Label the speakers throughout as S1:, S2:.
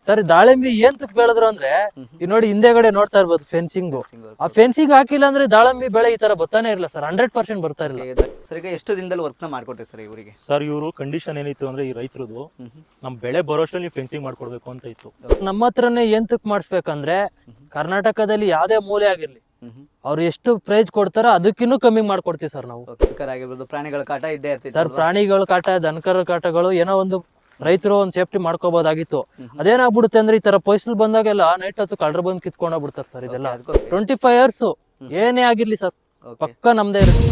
S1: Sir ದಾಳಿಂಬಿ ಏನ್ ತುಕ್ ಬೆಳೆದ್ರು ಅಂದ್ರೆ ಈಗ ನೋಡಿ ಹಿಂದೆಗಡೆ ನೋಡ್ತಾ ಇರ್ಬೋದು ಫೆನ್ಸಿಂಗ್. ಆ ಫೆನ್ಸಿಂಗ್ ಹಾಕಿಲ್ಲ ಅಂದ್ರೆ ದಾಳಿಂಬಿ ಬೆಳೆ ಈ ತರ ಬರ್ತಾನೆ ಇರಲ್ಲ ಸರ್, 100% ಬರ್ತಾ ಇರಲ್ಲ.
S2: ಸರ್ ಈಗ ಎಷ್ಟು ದಿನದಲ್ಲಿ ವರ್ಕ್ ನ ಮಾಡ್ಕೊಟ್ರಿ ಸರ್ ಇವರಿಗೆ?
S3: ಸರ್ ಇವರು ಕಂಡೀಷನ್ ಏನಿತ್ತು ಅಂದ್ರೆ ಈ ರೈತರದು ನಮ್ ಬೆಳೆ ಬರೋಷ್ಟಲ್ಲಿ ನೀವು ಫೆನ್ಸಿಂಗ್ ಮಾಡ್ಕೊಡ್ಬೇಕು ಅಂತ ಇತ್ತು.
S1: ನಮ್ಮ ಹತ್ರನೇ ಏನ್ ತುಕ್ ಮಾಡಿಸ್ಬೇಕಂದ್ರೆ ಕರ್ನಾಟಕದಲ್ಲಿ ಯಾವ್ದೇ ಮೂಲೆ ಆಗಿರ್ಲಿ ಅವ್ರು ಎಷ್ಟು ಪ್ರೈಸ್ ಕೊಡ್ತಾರೋ ಅದಕ್ಕಿನ್ನೂ ಕಮ್ಮಿ ಮಾಡ್ಕೊಡ್ತೀವಿ ಸರ್ ನಾವು.
S2: ಆಗಿರ್ಬೋದು, ಪ್ರಾಣಿಗಳ ಕಾಟ ಇದ್ದೇ ಇರ್ತೈತೆ
S1: ಸರ್ ಪ್ರಾಣಿಗಳ ಕಾಟ, ದನಕರ ಕಾಟಗಳು ಏನೋ ಒಂದು ರೈತರು ಒಂದು ಸೇಫ್ಟಿ ಮಾಡ್ಕೋಬಹುದಾಗಿತ್ತು. ಅದೇನಾಗ್ಬಿಡುತ್ತೆ ಅಂದ್ರೆ ಈ ತರ ಪೊಯ್ಸಲ್ ಬಂದಾಗೆಲ್ಲ ನೈಟ್ ಹೊತ್ತು ಕಳ್ಳರು ಬಂದು ಕಿತ್ಕೊಂಡ್ ಬಿಡ್ತಾರೆ ಸರ್. ಇದೆಲ್ಲ 25 years ಏನೇ ಆಗಿರ್ಲಿ ಸರ್ ಪಕ್ಕ ನಮ್ದೇ ಇರುತ್ತೆ.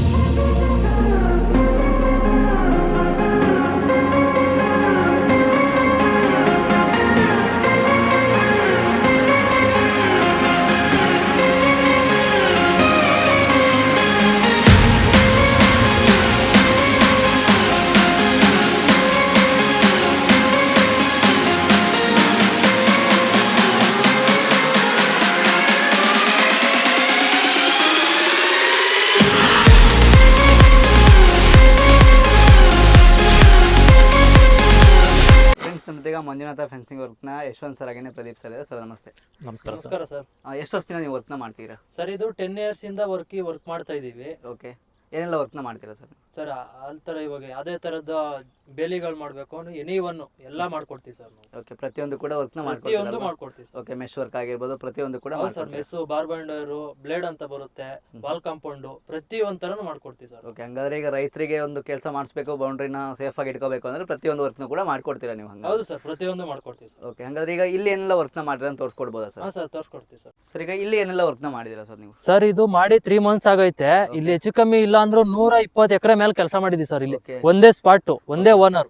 S2: ಈಗ ಮಂಜುನಾಥ ಫೆನ್ಸಿಂಗ್ ವರ್ಕ್ ನ ಯಶವಂತ್ ಸರ್ ಆಗಿನೇ ಪ್ರದೀಪ್ ಸರ್ ಇದೆ. ಸರ್ ನಮಸ್ತೆ.
S1: ನಮಸ್ಕಾರ ಸರ್.
S2: ಎಷ್ಟು ವರ್ಷದಿಂದ ನೀವು ವರ್ಕ್ ನ ಮಾಡ್ತೀರಾ
S1: ಸರ್? ಇದು 10 years ಇಂದ ವರ್ಕ್ ಮಾಡ್ತಾ ಇದೀವಿ.
S2: ಓಕೆ, ಏನೆಲ್ಲ ವರ್ಕ್ ನ ಮಾಡ್ತೀರಾ ಸರ್?
S1: ಸರ್ ತರ ಇವಾಗ ಯಾವ್ದೇ ತರದ ಬೇಲಿಗಳು ಮಾಡ್ಬೇಕು ಎನಿ ಒನ್ ಎಲ್ಲ ಮಾಡ್ಕೊಡ್ತೀವಿ ಸರ್ ನಾವು.
S2: ಓಕೆ, ಪ್ರತಿಯೊಂದು ಕೂಡ ವರ್ಕ್ ನ
S1: ಪ್ರತಿಯೊಂದು ಮಾಡ್ಕೊಡ್ತೀವಿ ಸರ್.
S2: ಓಕೆ, ಮೆಶ್ ವರ್ಕ್ ಆಗಿರ್ಬೋದು ಪ್ರತಿಯೊಂದು ಕೂಡ
S1: ಸರ್. ಮೆಸ್, ಬಾರ್ಬಂಡರ್, ಬ್ಲೇಡ್ ಅಂತ ಬರುತ್ತೆ, ವಾಲ್ ಕಾಂಪೌಂಡ್, ಪ್ರತಿ ಒಂಥರನು ಮಾಡ್ಕೊಡ್ತೀವಿ ಸರ್.
S2: ಓಕೆ, ಹಂಗಾದ್ರೆ ಈಗ ರೈತರಿಗೆ ಒಂದು ಕೆಲಸ ಮಾಡಿಸ್ಬೇಕು, ಬೌಂಡ್ರಿನ ಸೇಫ್ ಆಗಿ ಇಟ್ಕೋಬೇಕು ಅಂದ್ರೆ ಪ್ರತಿಯೊಂದು ವರ್ಕ್ ನ ಕೂಡ ಮಾಡ್ಕೊಡ್ತೀರಾ ನೀವು?
S1: ಹೌದು ಸರ್, ಪ್ರತಿಯೊಂದು ಮಾಡ್ಕೊಡ್ತೀವಿ ಸರ್.
S2: ಓಕೆ, ಹಂಗಾದ್ರೆ ಈಗ ಇಲ್ಲಿ ಏನೆಲ್ಲ ವರ್ಕ್ ನ ಮಾಡಿದ್ರೆ ಅಂತ ತೋರಿಸ್ಕೊಡ್ಬೋದಾ ಸರ್?
S1: ಹಾ ಸರ್, ತೋರಿಸ್ಕೊಡ್ತೀವಿ ಸರ್.
S2: ಸರ್ ಈಗ ಇಲ್ಲಿ ಏನೆಲ್ಲ ವರ್ಕ್ ನ ಮಾಡಿದಿರಾ ಸರ್ ನೀವು?
S1: ಸರ್ ಇದು ಮಾಡಿ 3 months ಆಗೈತೆ. ಇಲ್ಲಿ ಹೆಚ್ಚು ಕಮ್ಮಿ ಇಲ್ಲ ಅಂದ್ರೂ 120 ಎಕರೆ ಮೇಲೆ ಕೆಲಸ ಮಾಡಿದ್ವಿ ಸರ್. ಇಲ್ಲಿ ಒಂದೇ ಸ್ಪಾಟ್, ಒಂದೇ ಓನರ್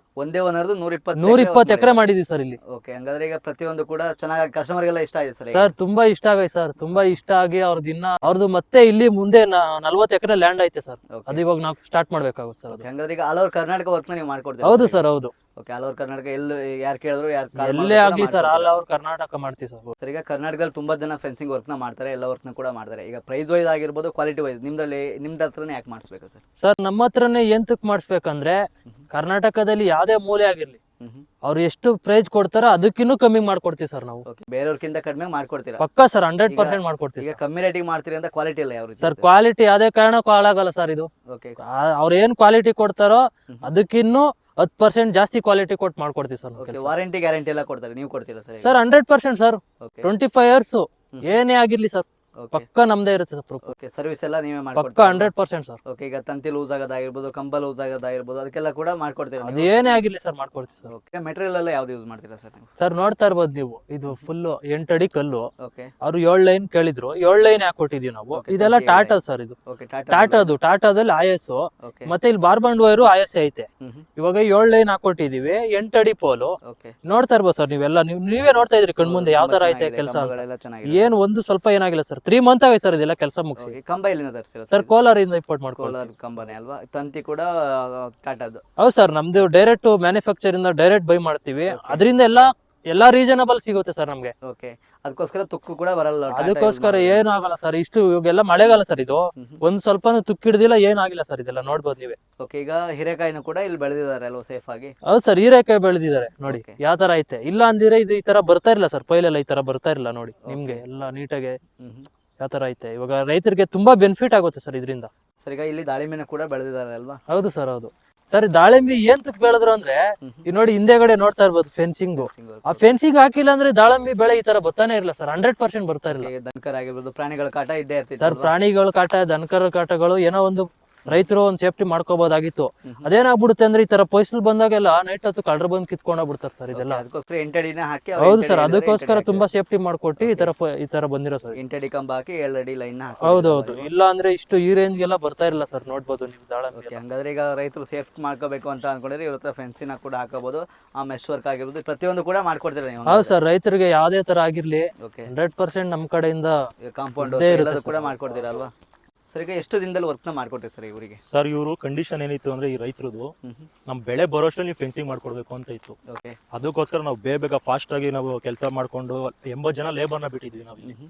S1: 120 ಎಕರೆ ಮಾಡಿದ್ವಿ ಸರ್ ಇಲ್ಲಿ.
S2: ಓಕೆ, ಹಂಗಾದ್ರೆ ಈಗ ಪ್ರತಿಯೊಂದು ಕೂಡ ಚೆನ್ನಾಗಿ ಕಸ್ಟಮರ್ ಗೆಲ್ಲ ಇಷ್ಟ ಆಗಿದೆ ಸರ್?
S1: ಸರ್ ತುಂಬಾ ಇಷ್ಟ ಆಗೈತೆ ಸರ್, ತುಂಬಾ ಇಷ್ಟ ಆಗಿ ಅವ್ರದ್ದು ಮತ್ತೆ ಇಲ್ಲಿ ಮುಂದೆ 40 ಎಕರೆ ಲ್ಯಾಂಡ್ ಐತೆ ಸರ್. ಅದು ಇವಾಗ ನಾವು ಸ್ಟಾರ್ಟ್ ಮಾಡ್ಬೇಕಾಗುತ್ತೆ ಸರ್.
S2: ಹಂಗಾದ್ರೆ ಈಗ ಆಲ್ ಓವರ್ ಕರ್ನಾಟಕ ವರ್ಕ್ ನೀವು ಮಾಡ್ಕೊಡ್ತೀರಾ?
S1: ಹೌದು ಸರ್, ಹೌದು.
S2: ಓಕೆ, ಆಲ್ ಓವರ್ ಕರ್ನಾಟಕ ಎಲ್ಲಿ ಯಾರು ಕೇಳಿದ್ರು
S1: ಎಲ್ಲೇ ಆಗ್ಲಿ ಸರ್, ಆಲ್ ಓವರ್ ಕರ್ನಾಟಕ ಮಾಡ್ತೀವಿ ಸರ್.
S2: ಸರ್ ಈಗ ಕರ್ನಾಟಕದಲ್ಲಿ ತುಂಬಾ ಜನ ಫೆನ್ಸಿಂಗ್ ವರ್ಕ್ ನ ಮಾಡ್ತಾರೆ, ಎಲ್ಲ ವರ್ಕ್ ನ ಕೂಡ ಮಾಡ್ತಾರೆ. ಈಗ ಪ್ರೈಸ್ ವೈಸ್ ಆಗಿರ್ಬೋದು, ಕ್ವಾಲಿಟಿ ವೈಸ್ ನಿಮ್ದು ಹತ್ರನೇ ಯಾಕೆ ಮಾಡಿಸ್ಬೇಕು ಸರ್?
S1: ಸರ್ ನಮ್ಮ ಹತ್ರನೇ ಏನ್ ತುಕ್ ಮಾಡಿಸ್ಬೇಕಂದ್ರೆ ಕರ್ನಾಟಕದಲ್ಲಿ ಯಾವ್ದೇ ಮೂಲೆ ಆಗಿರ್ಲಿ ಅವ್ರು ಎಷ್ಟು ಪ್ರೈಸ್ ಕೊಡ್ತಾರೋ ಅದಕ್ಕಿನ್ನೂ ಕಮ್ಮಿ ಮಾಡ್ಕೊಡ್ತೀವಿ ಸರ್ ನಾವು.
S2: ಬೇರೆಯವ್ರಕ್ಕಿಂತ ಕಡಿಮೆ ಮಾಡ್ಕೊಡ್ತೀರಾ?
S1: ಪಕ್ಕ ಸರ್, 100% ಮಾಡ್ಕೊಡ್ತೀವಿ.
S2: ಈಗ ಕಮ್ಮಿ ರೇಟಿಗೆ ಮಾಡ್ತೀರಿ ಅಂತ ಕ್ವಾಲಿಟಿ ಇಲ್ಲ ಯಾವ
S1: ಸರ್? ಕ್ವಾಲಿಟಿ ಯಾವ್ದೇ ಕಾರಣಕ್ಕೂ ಹಾಳಾಗಲ್ಲ ಸರ್. ಇದು ಅವ್ರು ಏನ್ ಕ್ವಾಲಿಟಿ ಕೊಡ್ತಾರೋ ಅದಕ್ಕಿನ್ನೂ 10% ಜಾಸ್ತಿ ಕ್ವಾಲಿಟಿ ಕೊಟ್ಟು ಮಾಡ್ಕೊಡ್ತೀವಿ ಸರ್.
S2: ವಾರಂಟಿ ಗ್ಯಾರಂಟಿ ಎಲ್ಲ ಕೊಡ್ತಾರೆ, ನೀವು ಕೊಡ್ತೀರಾ ಸರ್?
S1: Sir 100% sir. 25 years ಏನೇ ಆಗಿರ್ಲಿ ಸರ್ ಪಕ್ಕ ನಮ್ದೇ ಇರುತ್ತೆ ಸರ್.
S2: ಓಕೆ, ಸರ್ವಿಸ್ ಎಲ್ಲ ನೀವೇ
S1: ಪಕ್ಕ 100% ಸರ್.
S2: ಓಕೆ, ಈಗ ತಂತಿ ಲೂಸ್ ಆಗೋದಾಗಿರ್ಬೋದು, ಕಂಬ ಲೂಸ್ ಆಗೋದಾಗಿರ್ಬೋದು, ಅದಕ್ಕೆಲ್ಲ ಕೂಡ ಮಾಡ್ಕೊಡ್ತೀರಾ?
S1: ಅದೇನೇ ಆಗಿರ್ಲಿ ಸರ್ ಮಾಡ್ಕೊಡ್ತೀವಿ ಸರ್.
S2: ಓಕೆ, ಮೆಟೀರಿಯಲ್ ಎಲ್ಲ ಯಾವ್ದು ಯೂಸ್ ಮಾಡ್ತೀರಾ ಸರ್?
S1: ಸರ್ ನೋಡ್ತಾ ಇರ್ಬೋದು ನೀವು, ಇದು ಫುಲ್ 8 ಅಡಿ ಕಲ್ಲು.
S2: ಓಕೆ,
S1: ಅವ್ರು 7 ಲೈನ್ ಕೇಳಿದ್ರು, 7 ಲೈನ್ ಯಾಕೆ ಕೊಟ್ಟಿದೀವಿ ನಾವು. ಇದೆಲ್ಲ ಟಾಟಾ ಸರ್. ಇದು ಟಾಟಾದಲ್ಲಿ IS ಮತ್ತೆ ಇಲ್ಲಿ ಬಾರ್ಬಂಡ್ ವೈರು IS ಐತೆ. ಇವಾಗ 7 ಲೈನ್ ಹಾಕೊಟ್ಟಿದೀವಿ, 8 ಅಡಿ ಪೋಲು. ನೋಡ್ತಾ ಇರ್ಬೋದು ಸರ್ ನೀವೆಲ್ಲ, ನೀವೇ ನೋಡ್ತಾ ಇದ್ರಿ ಕಣ್ಮುಂದೆ ಯಾವ ತರ ಐತೆ ಕೆಲಸ. ಏನ್ ಒಂದು ಸ್ವಲ್ಪ ಏನಾಗಿಲ್ಲ ಸರ್. 3 months ಆಗಿದೆ ಸರ್ ಇದೆಲ್ಲ ಕೆಲಸ ಮುಗಿಸಿ.
S2: ಕಂಬ ಎಲ್ಲಿಂದ ತರಿಸ್ತೀರಾ
S1: ಸರ್? ಕೋಲಾರಿಂದ ಇಂಪೋರ್ಟ್ ಮಾಡ್ಕೊಳ್ಳಿ.
S2: ಕೋಲಾರ ಕಂಬನೇ ಅಲ್ವಾ? ತಂತಿ ಕೂಡ ಟಾಟಾದು?
S1: ಹೌದು ಸರ್, ನಮ್ದು ಡೈರೆಕ್ಟ್ ಮ್ಯಾನುಫ್ಯಾಕ್ಚರ್ ಇಂದ ಡೈರೆಕ್ಟ್ ಬೈ ಮಾಡ್ತೀವಿ. ಅದರಿಂದ ಎಲ್ಲಾ ರೀಸನಬಲ್ ಸಿಗುತ್ತೆ ಸರ್ ನಮ್ಗೆ.
S2: ಓಕೆ, ಅದಕ್ಕೋಸ್ಕರ ತುಕ್ಕು ಕೂಡ ಬರಲ್ಲ?
S1: ಅದಕ್ಕೋಸ್ಕರ ಏನು ಆಗಲ್ಲ ಸರ್. ಇಷ್ಟು ಇವಾಗೆಲ್ಲ ಮಳೆಗಾಲ ಸರ್, ಇದು ಒಂದ್ ಸ್ವಲ್ಪ ತುಕ್ಕು ಹಿಡ್ದಿಲ್ಲ, ಏನಾಗಿಲ್ಲ ಸರ್. ಇದೆಲ್ಲ ನೋಡ್ಬೋದು ನೀವೇ.
S2: ಓಕೆ, ಈಗ ಹೀರೆಕಾಯಿನೂ ಕೂಡ ಇಲ್ಲಿ ಬೆಳೆದಿದ್ದಾರೆ ಅಲ್ವಾ ಸೇಫ್ ಆಗಿ?
S1: ಹೌದು ಸರ್, ಹೀರೆಕಾಯಿ ಬೆಳೆದಿದ್ದಾರೆ ನೋಡಿ ಯಾವ ತರ ಐತೆ. ಇಲ್ಲ ಅಂದಿದ್ರೆ ಇದು ಈ ತರ ಬರ್ತಾ ಇರಲ್ಲ ಸರ್. ಪೈಲೆಲ್ಲ ಈ ತರ ಬರ್ತಾ ಇರಲ್ಲ ನೋಡಿ ನಿಮ್ಗೆ ಎಲ್ಲ ನೀಟಾಗಿ ಯಾವ ತರ ಐತೆ. ಇವಾಗ ರೈತರಿಗೆ ತುಂಬಾ ಬೆನಿಫಿಟ್ ಆಗುತ್ತೆ ಸರ್ ಇದರಿಂದ.
S2: ಸರ್ ಈಗ ಇಲ್ಲಿ ದಾಳಿಂಬೆನೂ ಕೂಡ ಬೆಳೆದಿದ್ದಾರೆ ಅಲ್ವಾ?
S1: ಹೌದು ಸರ್, ಹೌದು. ಸರ್ ದಾಳಿಂಬಿ ಏನ್ ತುಕ್ ಬೆಳೆದ್ರು ಅಂದ್ರೆ ಈಗ ನೋಡಿ ಹಿಂದೆಗಡೆ ನೋಡ್ತಾ ಇರ್ಬೋದು ಫೆನ್ಸಿಂಗ್. ಆ ಫೆನ್ಸಿಂಗ್ ಹಾಕಿಲ್ಲ ಅಂದ್ರೆ ದಾಳಿಂಬಿ ಬೆಳೆ ಈ ತರ ಬರ್ತಾನೆ ಇರಲ್ಲ ಸರ್, 100% ಬರ್ತಾ ಇರಲ್ಲ.
S2: ದನಕರ ಆಗಿರ್ಬೋದು, ಪ್ರಾಣಿಗಳ ಕಾಟ ಇದ್ದೇ ಇರ್ತೈತೆ
S1: ಸರ್. ಪ್ರಾಣಿಗಳ ಕಾಟ, ದನಕರ ಕಾಟಗಳು ಏನೋ ಒಂದು ರೈತರು ಒಂದು ಸೇಫ್ಟಿ ಮಾಡ್ಕೋಬಹುದಾಗಿತ್ತು. ಅದೇನಾಗ್ಬಿಡುತ್ತೆ ಅಂದ್ರೆ ಈ ತರ ಪೊಯ್ಸಲ್ ಬಂದಾಗೆಲ್ಲ ನೈಟ್ ಹೊತ್ತು ಕಳ್ಳರು ಬಂದು ಕಿತ್ಕೊಂಡ್ ಬಿಡ್ತಾರೆ ಸರ್. ಇದೆಲ್ಲ
S2: ಅದಕ್ಕೋಸ್ಕರ 8 ಅಡಿನ ಹಾಕಿ.
S1: ಹೌದು ಸರ್, ಅದಕ್ಕೋಸ್ಕರ ತುಂಬಾ ಸೇಫ್ಟಿ ಮಾಡ್ಕೊಟ್ಟು ಈ ತರ ಬಂದಿರೋ ಸರ್.
S2: 8 ಅಡಿ ಕಂಬ ಹಾಕಿ 7 ಅಡಿ ಲೈನ್ ಹಾಕಿ.
S1: ಹೌದೌದು, ಇಲ್ಲ ಅಂದ್ರೆ ಇಷ್ಟು ಈ ರೇಂಜ್ ಎಲ್ಲ ಬರ್ತಾ ಇರಲ್ಲ ಸರ್. ನೋಡ್ಬೋದು ನೀವು ದಾಳಿಂಬೆ.
S2: ಹಂಗಾದ್ರೆ ಈಗ ರೈತರು ಸೇಫ್ ಮಾಡ್ಕೋಬೇಕು ಅಂತ ಅನ್ಕೊಂಡ್ರೆ ಇವ್ರ ಹತ್ರ ಫೆನ್ಸಿನ ಕೂಡ ಹಾಕಬಹುದು, ಆ ಮೆಶ್ ವರ್ಕ್ ಆಗಿರ್ಬೋದು, ಪ್ರತಿಯೊಂದು ಕೂಡ ಮಾಡ್ಕೊಡ್ತೀರಾ ನೀವು?
S1: ಹೌದು ಸರ್, ರೈತರಿಗೆ ಯಾವ್ದೇ ತರ ಆಗಿರ್ಲಿ 100% ನಮ್ ಕಡೆಯಿಂದ
S2: ಕಾಂಪೌಂಡ್ ಕೂಡ ಮಾಡ್ಕೊಡ್ತೀರಾ ಅಲ್ವಾ? ಸರ್ ಈಗ ಎಷ್ಟು ದಿನದಲ್ಲಿ ವರ್ಕ್ ನ ಮಾಡ್ಕೊಟ್ರಿ ಸರ್ ಇವರಿಗೆ?
S3: ಸರ್ ಇವರು ಕಂಡೀಷನ್ ಏನಿತ್ತು ಅಂದ್ರೆ ಈ ರೈತರದು ನಮ್ ಬೆಳೆ ಬರೋಷ್ಟಲ್ಲಿ ನೀವು ಫೆನ್ಸಿಂಗ್ ಮಾಡ್ಕೊಡ್ಬೇಕು ಅಂತ ಇತ್ತು. ಅದಕ್ಕೋಸ್ಕರ ನಾವು ಬೇಗ ಫಾಸ್ಟ್ ಆಗಿ ನಾವು ಕೆಲಸ ಮಾಡ್ಕೊಂಡು 80 ಜನ ಲೇಬರ್ನ ಬಿಟ್ಟಿದ್ವಿ ನಾವು ಇಲ್ಲಿ.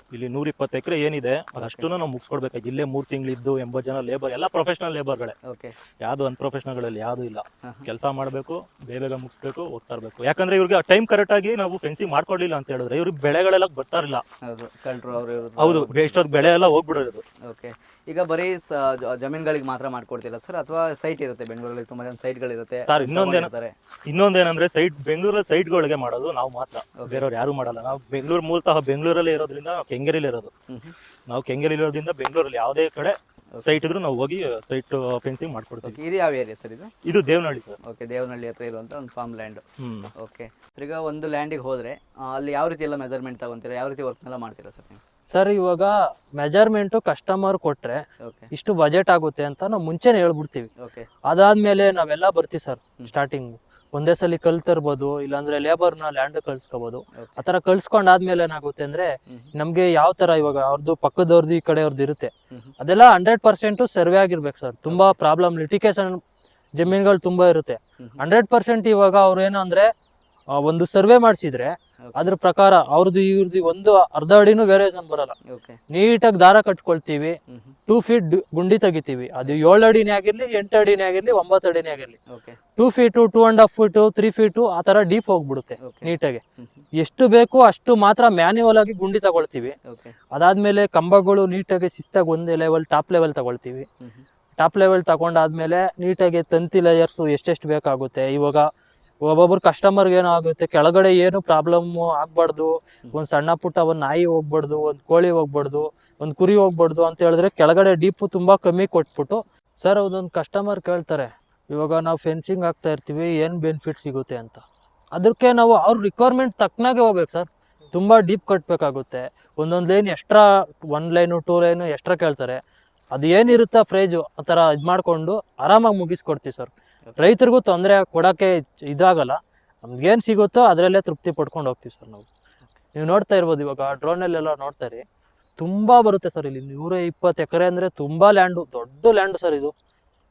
S3: ಇಲ್ಲಿ 120 ಎಕರೆ ಏನಿದೆ ಅದಷ್ಟು ನಾವು ಮುಗಿಸ್ಕೊಡ್ಬೇಕಾಗಿ ಇಲ್ಲೇ 3 ತಿಂಗಳಿದ್ದು 80 ಜನ ಲೇಬರ್ ಎಲ್ಲ ಪ್ರೊಫೆಷನಲ್ ಲೇಬರ್ಗಳೇ,
S2: ಓಕೆ
S3: ಯಾವ್ದು ಅನ್ಪ್ರೊಫೆಷನಲ್ಗಳಲ್ಲಿ ಯಾವ್ದು ಇಲ್ಲ. ಕೆಲಸ ಮಾಡಬೇಕು, ಬೇಗ ಮುಗಿಸ್ಬೇಕು, ಹೋಗ್ತಾ ಇರ್ಬೇಕು. ಯಾಕಂದ್ರೆ ಇವ್ರಿಗೆ ಟೈಮ್ ಕರೆಕ್ಟ್ ಆಗಿ ನಾವು ಫೆನ್ಸಿಂಗ್ ಮಾಡ್ಕೊಡ್ಲಿಲ್ಲ ಅಂತ ಹೇಳಿದ್ರೆ ಇವ್ರಿಗೆ ಬೆಳೆಗಳೆಲ್ಲ ಬರ್ತಾ ಇರಲಿಲ್ಲ.
S2: ಹೌದು ಕಳ್ರು ಅವರು
S3: ಹೌದು, ಎಷ್ಟೊತ್ತು ಬೆಳೆ ಎಲ್ಲ ಹೋಗ್ಬಿಡೋದು.
S2: ಓಕೆ, ಈಗ ಬರೀ ಜಮೀನುಗಳಿಗೆ ಮಾತ್ರ ಮಾಡ್ಕೊಡ್ತೀರಾ ಸರ್ ಅಥವಾ ಸೈಟ್ ಇರುತ್ತೆ ಬೆಂಗಳೂರಲ್ಲಿ ತುಂಬಾ ಜನ ಸೈಟ್ಗಳಿರುತ್ತೆ
S3: ಸರ್ ಇನ್ನೊಂದೇನಂದ್ರೆ ಬೆಂಗಳೂರಲ್ಲಿ ಸೈಟ್ಗಳಿಗೆ ಮಾಡೋದು ನಾವು ಮಾತ್ರ, ಬೇರೆಯವ್ರು ಯಾರು ಮಾಡಲ್ಲ. ನಾವು ಬೆಂಗಳೂರು ಮೂಲತಃ ಬೆಂಗಳೂರಲ್ಲೇ ಇರೋದ್ರಿಂದ ಕೆಂಗೇರಿಲಿ ಇರೋದು. ನಾವು ಕೆಂಗೇರಿಲಿ ಇರೋದ್ರಿಂದ ಬೆಂಗಳೂರಲ್ಲಿ ಯಾವುದೇ ಕಡೆ ಸೈಟ್ ಇದ್ರು ನಾವು ಹೋಗಿ ಸೈಟ್ ಫೆನ್ಸಿಂಗ್ ಮಾಡ್ಕೊಡ್ತೀವಿ.
S2: ಇದು ಯಾವ ಏರಿಯಾ ಸರ್
S3: ಇದು ದೇವನಹಳ್ಳಿ ಸರ್.
S2: ಓಕೆ, ದೇವನಹಳ್ಳಿ ಹತ್ರ ಇರುವಂತ ಒಂದು ಫಾರ್ಮ್ ಲ್ಯಾಂಡ್. ಓಕೆ ಸರ್, ಈಗ ಒಂದು ಲ್ಯಾಂಡಿಗೆ ಹೋದ್ರೆ ಅಲ್ಲಿ ಯಾವ ರೀತಿ ಎಲ್ಲ ಮೆಜರ್ಮೆಂಟ್ ತಗೊಂತೀರಾ, ಯಾವ ರೀತಿ ವರ್ಕ್ನೆಲ್ಲ ಮಾಡ್ತೀರಾ ಸರ್ ನೀವು?
S1: ಸರ್ ಇವಾಗ ಮೆಜರ್ಮೆಂಟು ಕಸ್ಟಮರ್ ಕೊಟ್ರೆ ಇಷ್ಟು ಬಜೆಟ್ ಆಗುತ್ತೆ ಅಂತ ನಾವು ಮುಂಚೆನೆ ಹೇಳ್ಬಿಡ್ತೀವಿ.
S2: ಓಕೆ,
S1: ಅದಾದ್ಮೇಲೆ ನಾವೆಲ್ಲ ಬರ್ತೀವಿ ಸರ್. ಸ್ಟಾರ್ಟಿಂಗ್ ಒಂದೇ ಸಲ ಕಲ್ತಿರ್ಬೋದು, ಇಲ್ಲಾಂದ್ರೆ ಲೇಬರ್ನ ಲ್ಯಾಂಡ್ ಕಳ್ಸ್ಕೋಬಹುದು. ಆ ತರ ಕಳ್ಸ್ಕೊಂಡಾದ್ಮೇಲೆ ಏನಾಗುತ್ತೆ ಅಂದ್ರೆ ನಮ್ಗೆ ಯಾವ ತರ ಇವಾಗ ಅವ್ರದ್ದು ಪಕ್ಕದವ್ರದ್ದು ಈ ಕಡೆಯವ್ರದ್ದು ಇರುತ್ತೆ, ಅದೆಲ್ಲ 100% ಸರ್ವೆ ಆಗಿರ್ಬೇಕು ಸರ್. ತುಂಬಾ ಪ್ರಾಬ್ಲಮ್ ಲಿಟಿಗೇಷನ್ ಜಮೀನುಗಳು ತುಂಬಾ ಇರುತ್ತೆ. 100% ಇವಾಗ ಅವ್ರು ಏನು ಅಂದ್ರೆ ಒಂದು ಸರ್ವೆ ಮಾಡಿಸಿದ್ರೆ ಅದ್ರ ಪ್ರಕಾರ ಅವ್ರದ್ದು ಇವ್ರದ್ದು ಒಂದು ಅರ್ಧ ಅಡಿನೂ ವೇರಿಯೇಷನ್ ಬರಲ್ಲ. ನೀಟಾಗಿ ದಾರ ಕಟ್ಕೊಳ್ತೀವಿ, 2 ಫೀಟ್ ಗುಂಡಿ ತೆಗಿತೀವಿ. ಅದು 7 ಅಡಿನೇ ಆಗಿರ್ಲಿ, 8 ಅಡಿನೇ ಆಗಿರ್ಲಿ, 9 ಅಡಿನೇ ಆಗಿರ್ಲಿ, 2 ಫೀಟು, 2.5 ಫೀಟು, 3 ಫೀಟು ಆ ತರ ಡೀಪ್ ಹೋಗ್ಬಿಡುತ್ತೆ ನೀಟಾಗಿ. ಎಷ್ಟು ಬೇಕು ಅಷ್ಟು ಮಾತ್ರ ಮ್ಯಾನ್ಯುವಲ್ ಆಗಿ ಗುಂಡಿ ತಗೊಳ್ತೀವಿ. ಅದಾದ್ಮೇಲೆ ಕಂಬಗಳು ನೀಟಾಗಿ ಶಿಸ್ತಾಗಿ ಒಂದೇ ಲೆವೆಲ್ ಟಾಪ್ ಲೆವೆಲ್ ತಗೊಳ್ತೀವಿ. ಟಾಪ್ ಲೆವೆಲ್ ತಗೊಂಡಾದ್ಮೇಲೆ ನೀಟಾಗಿ ತಂತಿ ಲೇಯರ್ಸು ಎಷ್ಟೆಷ್ಟು ಬೇಕಾಗುತ್ತೆ. ಇವಾಗ ಒಬ್ಬೊಬ್ರು ಕಸ್ಟಮರ್ಗೆ ಏನೋ ಆಗುತ್ತೆ, ಕೆಳಗಡೆ ಏನು ಪ್ರಾಬ್ಲಮ್ ಆಗ್ಬಾರ್ದು, ಒಂದ್ ಸಣ್ಣ ಪುಟ್ಟ ಒಂದ್ ನಾಯಿ ಹೋಗ್ಬಾರ್ದು, ಒಂದ್ ಕೋಳಿ ಹೋಗ್ಬಾರ್ದು, ಒಂದ್ ಕುರಿ ಹೋಗ್ಬಾರ್ದು ಅಂತ ಹೇಳಿದ್ರೆ ಕೆಳಗಡೆ ಡೀಪು ತುಂಬಾ ಕಮ್ಮಿ ಕೊಟ್ಬಿಟ್ಟು ಸರ್ ಅದೊಂದು ಕಸ್ಟಮರ್ ಕೇಳ್ತಾರೆ, ಇವಾಗ ನಾವು ಫೆನ್ಸಿಂಗ್ ಆಗ್ತಾ ಇರ್ತೀವಿ, ಏನ್ ಬೆನಿಫಿಟ್ ಸಿಗುತ್ತೆ ಅಂತ. ಅದಕ್ಕೆ ನಾವು ಅವ್ರ ರಿಕ್ವೈರ್ಮೆಂಟ್ ತಕ್ಕನಾಗೆ ಹೋಗ್ಬೇಕು ಸರ್. ತುಂಬಾ ಡೀಪ್ ಕಟ್ಬೇಕಾಗುತ್ತೆ. ಒಂದೊಂದು line extra, 1 line 2 line extra ಕೇಳ್ತಾರೆ. ಅದು ಏನಿರುತ್ತಾ ಪ್ರೈಜು ಆ ಥರ ಇದು ಮಾಡಿಕೊಂಡು ಆರಾಮಾಗಿ ಮುಗಿಸ್ಕೊಡ್ತೀವಿ ಸರ್. ರೈತರಿಗೂ ತೊಂದರೆ ಕೊಡೋಕ್ಕೆ ಇದಾಗಲ್ಲ. ನಮ್ಗೇನು ಸಿಗುತ್ತೋ ಅದರಲ್ಲೇ ತೃಪ್ತಿ ಪಡ್ಕೊಂಡು ಹೋಗ್ತೀವಿ ಸರ್ ನಾವು. ನೀವು ನೋಡ್ತಾ ಇರ್ಬೋದು ಇವಾಗ ಡ್ರೋನಲ್ಲೆಲ್ಲ ನೋಡ್ತಾ ಇರಿ, ತುಂಬ ಬರುತ್ತೆ ಸರ್ ಇಲ್ಲಿ. 120 ಎಕರೆ ಅಂದರೆ ತುಂಬ ಲ್ಯಾಂಡು, ದೊಡ್ಡ ಲ್ಯಾಂಡು ಸರ್ ಇದು.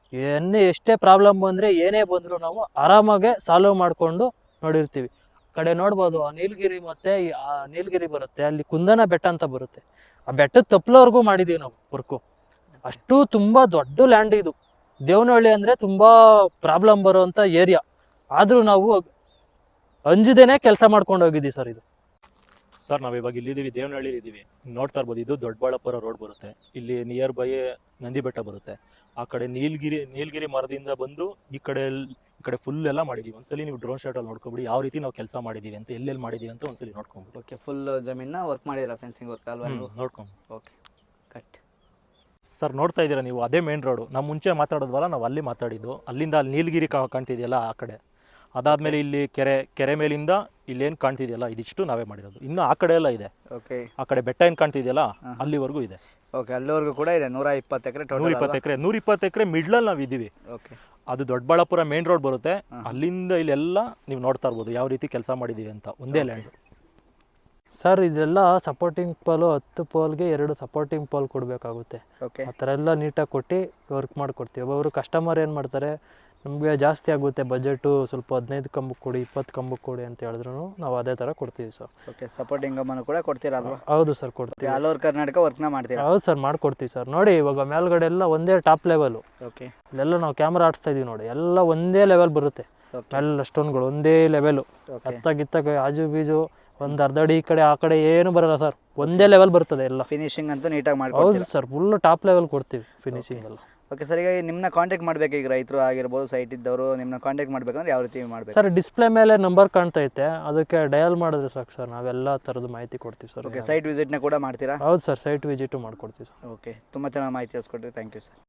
S1: ಎಷ್ಟೇ ಪ್ರಾಬ್ಲಮ್ ಬಂದರೆ ಏನೇ ಬಂದರೂ ನಾವು ಆರಾಮಾಗೆ ಸಾಲ್ವ್ ಮಾಡಿಕೊಂಡು ನೋಡಿರ್ತೀವಿ. ಕಡೆ ನೋಡ್ಬೋದು ಆ ನೀಲಗಿರಿ ಮತ್ತು ಆ ನೀಲಗಿರಿ ಬರುತ್ತೆ, ಅಲ್ಲಿ ಕುಂದನ ಬೆಟ್ಟ ಅಂತ ಬರುತ್ತೆ. ಆ ಬೆಟ್ಟದ ತಪ್ಪಲವರೆಗೂ ಮಾಡಿದ್ದೀವಿ ನಾವು ವರ್ಕು. ಅಷ್ಟು ತುಂಬ ದೊಡ್ಡ ಲ್ಯಾಂಡ್ ಇದು. ದೇವನಹಳ್ಳಿ ಅಂದರೆ ತುಂಬ ಪ್ರಾಬ್ಲಮ್ ಬರುವಂಥ ಏರಿಯಾ, ಆದರೂ ನಾವು ಅಂಜದೇನೆ ಕೆಲಸ ಮಾಡ್ಕೊಂಡು ಹೋಗಿದ್ದೀವಿ ಸರ್. ಇದು
S3: ಸರ್ ನಾವು ಇವಾಗ ಇಲ್ಲಿದ್ದೀವಿ, ದೇವನಹಳ್ಳಿ ಇದ್ದೀವಿ. ನೋಡ್ತಾ ಇರ್ಬೋದು, ಇದು ದೊಡ್ಡಬಳ್ಳಾಪುರ ರೋಡ್ ಬರುತ್ತೆ. ಇಲ್ಲಿ ನಿಯರ್ ಬೈ ನಂದಿ ಬೆಟ್ಟ ಬರುತ್ತೆ. ಆ ಕಡೆ ನೀಲಗಿರಿ ಮರದಿಂದ ಬಂದು ಈ ಕಡೆ ಫುಲ್ ಎಲ್ಲ ಮಾಡಿದೀವಿ. ಒಂದ್ಸಲಿ ನೀವು ಡ್ರೋನ್ ಶಾಟ್ ಅಲ್ಲಿ ನೋಡ್ಕೊಬಿಡಿ ಯಾವ ರೀತಿ ನಾವು ಕೆಲಸ ಮಾಡಿದೀವಿ ಅಂತ, ಎಲ್ಲೆಲ್ಲಿ ಮಾಡಿದೀವಿ ಅಂತ ಒಂದ್ಸಲಿ ನೋಡ್ಕೊಂಬಿಡಿ.
S2: ಓಕೆ, ಫುಲ್ ಜಮೀನ ವರ್ಕ್ ಮಾಡಿದಿರಾ, ಫೆನ್ಸಿಂಗ್ ವರ್ಕ್ ಅಲ್ವಾ?
S3: ನೋಡ್ಕೊಂಡು.
S2: ಓಕೆ, ಕಟ್
S3: ಸರ್ ನೋಡ್ತಾ ಇದ್ದೀರಾ ನೀವು, ಅದೇ ಮೇನ್ ರೋಡು. ನಾವು ಮುಂಚೆ ಮಾತಾಡೋದ್ವಲ್ಲ, ನಾವು ಅಲ್ಲಿ ಮಾತಾಡಿದ್ದು. ಅಲ್ಲಿಂದ ಅಲ್ಲಿ ನೀಲಗಿರಿ ಕಾಣ್ತಿದೆಯಲ್ಲ ಆ ಕಡೆ, ಅದಾದ್ಮೇಲೆ ಇಲ್ಲಿ ಕೆರೆ ಮೇಲಿಂದ ಇಲ್ಲೇನು ಕಾಣ್ತಿದೆಯಲ್ಲ ಇದಿಷ್ಟು ನಾವೇ ಮಾಡಿರೋದು. ಇನ್ನು ಆ ಕಡೆ ಎಲ್ಲ ಇದೆ.
S2: ಓಕೆ,
S3: ಆ ಕಡೆ ಬೆಟ್ಟ ಏನು ಕಾಣ್ತಿದೆಯಲ್ಲ ಅಲ್ಲಿವರೆಗೂ ಇದೆ.
S2: ಓಕೆ, ಅಲ್ಲಿವರೆಗೂ ಕೂಡ ಇದೆ. 120 ಎಕರೆ,
S3: 120 ಎಕರೆ ಮಿಡ್ಲಲ್ಲಿ ನಾವು ಇದ್ದೀವಿ.
S2: ಓಕೆ,
S3: ಅದು ದೊಡ್ಡಬಳ್ಳಾಪುರ ಮೇನ್ ರೋಡ್ ಬರುತ್ತೆ. ಅಲ್ಲಿಂದ ಇಲ್ಲೆಲ್ಲ ನೀವು ನೋಡ್ತಾ ಇರ್ಬೋದು ಯಾವ ರೀತಿ ಕೆಲಸ ಮಾಡಿದೀವಿ ಅಂತ. ಒಂದೇ ಲ್ಯಾಂಡ್
S1: ಸರ್. ಇದೆಲ್ಲ ಸಪೋರ್ಟಿಂಗ್ ಪೋಲು, 10 ಪೋಲ್ಗೆ 2 ಸಪೋರ್ಟಿಂಗ್ ಪೋಲ್ ಕೊಡಬೇಕಾಗುತ್ತೆ. ಆ ಥರ ಎಲ್ಲ ನೀಟಾಗಿ ಕೊಟ್ಟು ವರ್ಕ್ ಮಾಡಿಕೊಡ್ತೀವಿ. ಒಬ್ಬೊಬ್ರು ಕಸ್ಟಮರ್ ಏನು ಮಾಡ್ತಾರೆ, ನಮಗೆ ಜಾಸ್ತಿ ಆಗುತ್ತೆ ಬಜೆಟು, ಸ್ವಲ್ಪ 15 ಕಂಬಕ್ಕೆ ಕೊಡಿ, 20 ಕಂಬಕ್ಕೆ ಕೊಡಿ ಅಂತ ಹೇಳಿದ್ರು ನಾವು ಅದೇ ಥರ ಕೊಡ್ತೀವಿ ಸರ್.
S2: ಓಕೆ, ಸಪೋರ್ಟಿಂಗ್ ಕಂಬನ ಕೂಡ ಕೊಡ್ತೀರಲ್ವಾ?
S1: ಹೌದು ಸರ್, ಕೊಡ್ತೀವಿ.
S2: ಆಲ್ ಓವರ್ ಕರ್ನಾಟಕ ವರ್ಕ್ನ ಮಾಡ್ತೀರಾ?
S1: ಹೌದು ಸರ್, ಮಾಡ್ಕೊಡ್ತೀವಿ ಸರ್. ನೋಡಿ ಇವಾಗ ಮೇಲ್ಗಡೆ ಎಲ್ಲ ಒಂದೇ ಟಾಪ್ ಲೆವೆಲು.
S2: ಓಕೆ,
S1: ಇಲ್ಲೆಲ್ಲ ನಾವು ಕ್ಯಾಮ್ರಾ ಆಡಿಸ್ತಾ ಇದೀವಿ ನೋಡಿ, ಎಲ್ಲ ಒಂದೇ ಲೆವೆಲ್ ಬರುತ್ತೆ. ಎಲ್ಲ ಸ್ಟೋನ್ಗಳು ಒಂದೇ ಲೆವೆಲು. ಹತ್ತಾಗಿತ್ತಾಗ ಆಜು ಬೀಜು ಒಂದು ಅರ್ಧ ಅಡಿ ಈ ಕಡೆ ಆ ಕಡೆ ಏನು ಬರಲ್ಲ ಸರ್, ಒಂದೇ ಲೆವೆಲ್ ಬರ್ತದೆ ಎಲ್ಲ.
S2: ಫಿನಿಶಿಂಗ್ ಅಂತೂ ನೀಟಾಗಿ ಮಾಡಿ.
S1: ಹೌದು ಸರ್, ಫುಲ್ ಟಾಪ್ ಲೆವೆಲ್ ಕೊಡ್ತೀವಿ ಫಿನಿಶಿಂಗ್ ಎಲ್ಲ.
S2: ಓಕೆ ಸರ್, ಈಗ ನಿಮ್ಮನ್ನ ಕಾಂಟ್ಯಾಕ್ಟ್ ಮಾಡಬೇಕು, ಈಗ ರೈತರು ಆಗಿರ್ಬೋದು, ಸೈಟ್ ಇದ್ದವರು ನಿಮ್ಮನ್ನ ಕಾಂಟ್ಯಾಕ್ಟ್ ಮಾಡಬೇಕಂದ್ರೆ ಯಾವ ರೀತಿ ಮಾಡಬೇಕು
S1: ಸರ್? ಡಿಸ್ಪ್ಲೇ ಮೇಲೆ ನಂಬರ್ ಕಾಣ್ತೈತೆ, ಅದಕ್ಕೆ ಡಯಲ್ ಮಾಡಿದ್ರೆ ಸಾಕು ಸರ್, ನಾವೆಲ್ಲ ಥರದ ಮಾಹಿತಿ ಕೊಡ್ತೀವಿ ಸರ್.
S2: ಓಕೆ, ಸೈಟ್ ವಿಸಿಟ್ನ ಕೂಡ ಮಾಡ್ತೀರಾ?
S1: ಹೌದು ಸರ್, ಸೈಟ್ ವಿಸಿಟು ಮಾಡ್ಕೊಡ್ತೀವಿ ಸರ್.
S2: ಓಕೆ, ತುಂಬ ಚೆನ್ನಾಗಿ ಮಾಹಿತಿ ತಿಳಿಸ್ಕೊಡ್ತೀವಿ. Thank you sir.